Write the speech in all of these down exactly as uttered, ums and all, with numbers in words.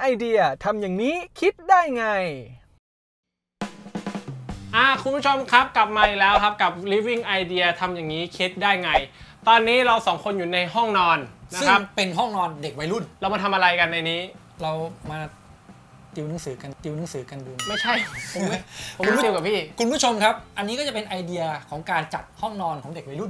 Idea ทำอย่างนี้คิดได้ไงอ่าคุณผู้ชมครับกลับมาอีกแล้วครับกับ Living Idea ทำอย่างนี้คิดได้ไงตอนนี้เราสองคนอยู่ในห้องนอนนะครับซึ่งเป็นห้องนอนเด็กวัยรุ่นเรามาทำอะไรกันในนี้เรามาติวหนังสือกันติวหนังสือกันดูไม่ใช่ผมไม่ผมไม่ติวกับพี่คุณผู้ชมครับอันนี้ก็จะเป็นไอเดียของการจัดห้องนอนของเด็กวัยรุ่น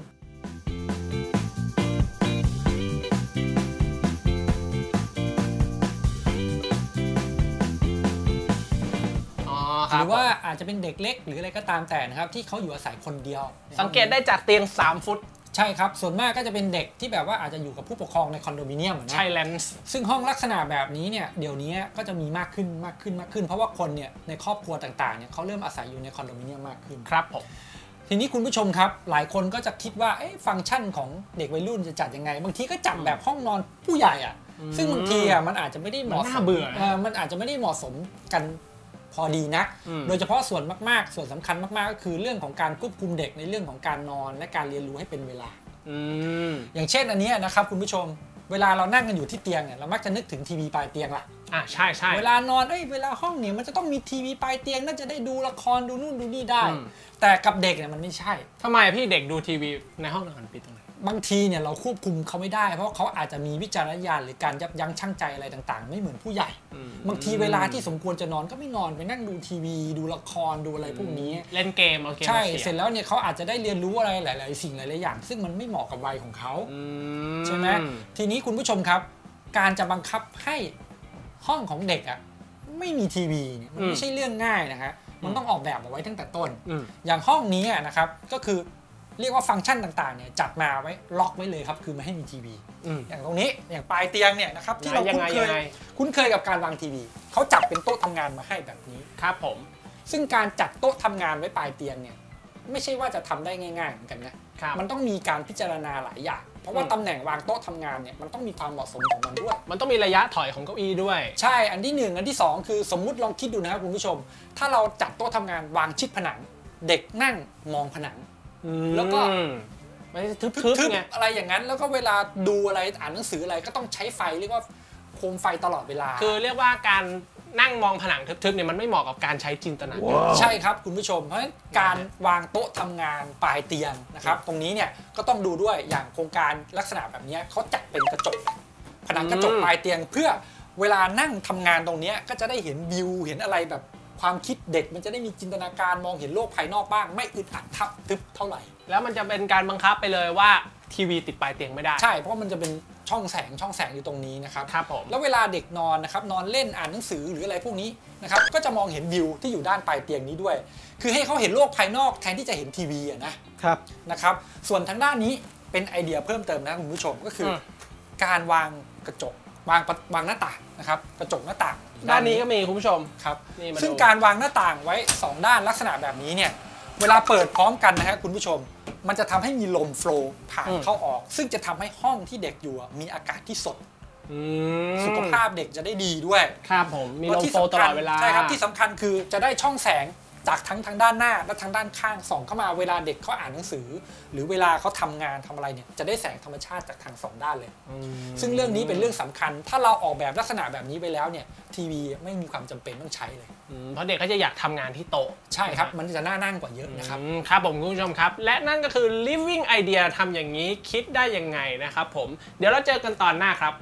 หรือว่าอาจจะเป็นเด็กเล็กหรืออะไรก็ตามแต่นะครับที่เขาอยู่อาศัยคนเดียวสังเกตได้จากเตียงสามฟุตใช่ครับส่วนมากก็จะเป็นเด็กที่แบบว่าอาจจะอยู่กับผู้ปกครองในคอนโดมิเนียมนะใช่แลนส์ซึ่งห้องลักษณะแบบนี้เนี่ยเดี๋ยวนี้ก็จะมีมากขึ้นมากขึ้นมากขึ้นเพราะว่าคนเนี่ยในครอบครัวต่างๆเนี่ยเขาเริ่มอาศัยอยู่ในคอนโดมิเนียมมากขึ้นครับผมทีนี้คุณผู้ชมครับหลายคนก็จะคิดว่าฟังก์ชันของเด็กวัยรุ่นจะจัดยังไงบางทีก็จัดแบบห้องนอนผู้ใหญ่อ่ะซึ่งบางทีอ่ะมันอาจจะไม่ได้เหมาะสมเบื่อมันอาจจะไม่ได้เหมาะสมกันพอดีนะโดยเฉพาะส่วนมากๆส่วนสำคัญมากๆก็คือเรื่องของการควบคุมเด็กในเรื่องของการนอนและการเรียนรู้ให้เป็นเวลาอย่างเช่นอันนี้นะครับคุณผู้ชมเวลาเรานั่งกันอยู่ที่เตียงเนี่ยเรามักจะนึกถึงทีวีปลายเตียงล่ะอ่ะใช่ใช่เวลานอนเอ้ยเวลาห้องเนี่ยมันจะต้องมีทีวีปลายเตียงน่าจะได้ดูละครดูนู่นดูนี่ได้แต่กับเด็กเนี่ยมันไม่ใช่ทำไมพี่เด็กดูทีวีในห้องนอนปิดตรงไหนบางทีเนี่ยเราควบคุมเขาไม่ได้เพราะเขาอาจจะมีวิจารณญาณหรือการยับยั้งชั่งใจอะไรต่างๆไม่เหมือนผู้ใหญ่บางทีเวลาที่สมควรจะนอนก็ไม่นอนไปนั่งดูทีวีดูละครดูอะไรพวกนี้เล่นเกมเอาเกมใช่เสร็จแล้วเนี่ยเขาอาจจะได้เรียนรู้อะไรหลายๆสิ่งหลายๆอย่างซึ่งมันไม่เหมาะกับวัยของเขาใช่ไหมทีนี้คุณผู้ชมครับการจะบังคับให้ห้องของเด็กอ่ะไม่มีทีวีเนี่ยมันไม่ใช่เรื่องง่ายนะฮะมันต้องออกแบบเอาไว้ตั้งแต่ต้นอย่างห้องนี้นะครับก็คือเรียกว่าฟังก์ชันต่างๆเนี่ยจัดมาไว้ล็อกไว้เลยครับคือไม่ให้มีทีวีอย่างตรงนี้อย่างปลายเตียงเนี่ยนะครับที่เราคุ้นเคยคุ้นเคยกับการวางทีวีเขาจัดเป็นโต๊ะทำงานมาให้แบบนี้ครับผมซึ่งการจัดโต๊ะทำงานไว้ปลายเตียงเนี่ยไม่ใช่ว่าจะทำได้ง่ายๆเหมือนกันนะมันต้องมีการพิจารณาหลายอย่างเพราะว่าตำแหน่งวางโต๊ะทำงานเนี่ยมันต้องมีความเหมาะสมของมันด้วยมันต้องมีระยะถอยของเก้าอี้ด้วยใช่อันที่หนึ่งอันที่สองคือสมมุติลองคิดดูนะครับคุณผู้ชมถ้าเราจัดโต๊ะทำงานวางชิดผนังเด็กนั่งมองผนังแล้วก็ไม่ทึบๆไงอะไรอย่างนั้นแล้วก็เวลาดูอะไรอ่านหนังสืออะไรก็ต้องใช้ไฟเรียกว่าโคมไฟตลอดเวลาคือเรียกว่าการนั่งมองผนังทึบๆเนี่ยมันไม่เหมาะกับการใช้จินตนาการใช่ครับคุณผู้ชมเพราะฉะนั้นการวางโต๊ะทำงานปลายเตียงนะครับตรงนี้เนี่ยก็ต้องดูด้วยอย่างโครงการลักษณะแบบนี้เขาจัดเป็นกระจกผนังกระจกปลายเตียงเพื่อเวลานั่งทำงานตรงนี้ก็จะได้เห็นวิวเห็นอะไรแบบความคิดเด็กมันจะได้มีจินตนาการมองเห็นโลกภายนอกบ้างไม่อึดอัดทับทึบเท่าไหร่แล้วมันจะเป็นการบังคับไปเลยว่าทีวีติดปลายเตียงไม่ได้ใช่เพราะมันจะเป็นช่องแสงช่องแสงอยู่ตรงนี้นะครับครับผมแล้วเวลาเด็กนอนนะครับนอนเล่นอ่านหนังสือหรืออะไรพวกนี้นะครับก็จะมองเห็นวิวที่อยู่ด้านปลายเตียงนี้ด้วยคือให้เขาเห็นโลกภายนอกแทนที่จะเห็นทีวีนะครับนะครับส่วนทางด้านนี้เป็นไอเดียเพิ่มเติมนะคุณผู้ชมก็คือการวางกระจกวางวางหน้าต่างนะครับกระจกหน้าต่างด้านนี้ก็มีคุณผู้ชมครับซึ่งการวางหน้าต่างไว้สองด้านลักษณะแบบนี้เนี่ยเวลาเปิดพร้อมกันนะฮะคุณผู้ชมมันจะทำให้มีลมโฟลว์ผ่านเข้าออกซึ่งจะทำให้ห้องที่เด็กอยู่มีอากาศที่สดสุขภาพเด็กจะได้ดีด้วยครับผมมีลมโฟลว์ตลอดเวลาใช่ครับที่สำคัญคือจะได้ช่องแสงจากทั้งทางด้านหน้าและทางด้านข้างส่องเข้ามาเวลาเด็กเขาอ่านหนังสือหรือเวลาเขาทำงานทำอะไรเนี่ยจะได้แสงธรรมชาติจากทางสองด้านเลยซึ่งเรื่องนี้เป็นเรื่องสำคัญถ้าเราออกแบบลักษณะแบบนี้ไปแล้วเนี่ยทีวีไม่มีความจำเป็นต้องใช้เลยเพราะเด็กเขาจะอยากทำงานที่โต๊ะใช่ครับมันจะน่านั่งกว่าเยอะนะครับครับผมคุณผู้ชมครับและนั่นก็คือ living idea ทำอย่างนี้คิดได้ยังไงนะครับผมเดี๋ยวเราเจอกันตอนหน้าครับ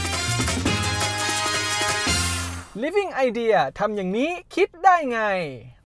Living Idea ทำอย่างนี้คิดได้ไง